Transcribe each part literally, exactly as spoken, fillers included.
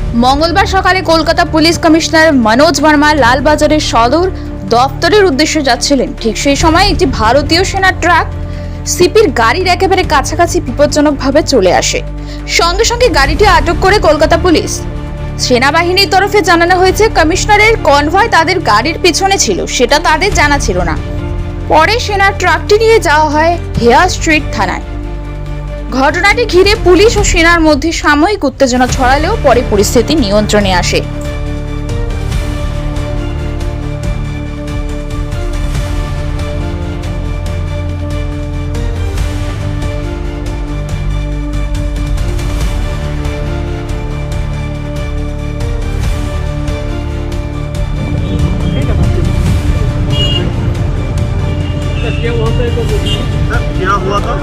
মঙ্গলবার সকালে Kolkata police commissioner Manoj Verma লালবাজারের সদর দপ্তরের উদ্দেশ্যে যাচ্ছিলেন। ঠিক সেই সময় একটি ভারতীয় সেনা ট্রাক সিপির গাড়ির একেবারে কাছাকাছি বিপজ্জনকভাবে চলে আসে। সঙ্গে সঙ্গে গাড়িটি আটক করে কলকাতা পুলিশ। সেনাবাহিনীর তরফে জানানো হয়েছে, কমিশনারের কনভয় তাদের গাড়ির পিছনে ছিল, সেটা তাদের জানা ছিল না। পরে সেনা ট্রাকটি নিয়ে যাওয়া হয় হেয়ার স্ট্রিট থানায়। ঘটনাটি ঘিরে পুলিশ ও সেনার মধ্যে সাময়িক উত্তেজনা ছড়ালেও পরে পরিস্থিতি নিয়ন্ত্রণে আসে। क्या हुआ था?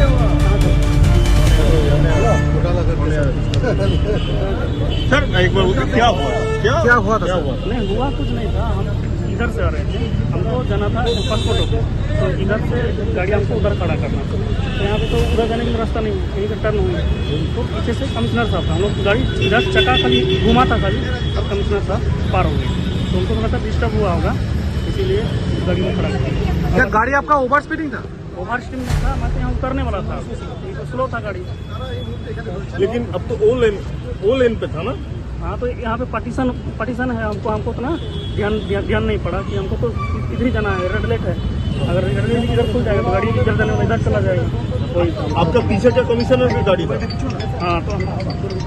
सर एक बार बोलिए क्या हुआ? क्या क्या हुआ था? क्या हुआ? नहीं हुआ कुछ नहीं था। हम इधर से आ रहे थे, हमको जाना था पासपोर्ट को, तो इधर से गाड़ी हमको उधर खड़ा करना था। तो यहाँ पे तो उधर जाने का रास्ता नहीं, कहीं का टर्न हुई, तो पीछे से कमिश्नर साहब था। हम लोग गाड़ी इधर चक्का खाली घुमा था खाली, और कमिश्नर साहब पार हो गए, तो उनको थोड़ा सा डिस्टर्ब हुआ होगा, इसीलिए गाड़ी में खड़ा किया। क्या गाड़ी आपका ओवर स्पीडिंग था? ओवर स्टीम था, मैं तो यहाँ उतरने वाला था, तो स्लो था गाड़ी। लेकिन अब तो ओ लेन ओ लेन पे था ना? हाँ, तो यहाँ पे पार्टीशन पार्टीशन है, हमको हमको तो ना ध्यान ध्यान ध्यान नहीं पड़ा कि हमको तो इधर ही जाना है, रेड लाइट है। अगर रेड लाइट इधर खुल जाएगा तो गाड़ी इधर जाने में इधर चला जाएगा। वही आपका पीछे जो कमिश्नर की गाड़ी था? हाँ, तो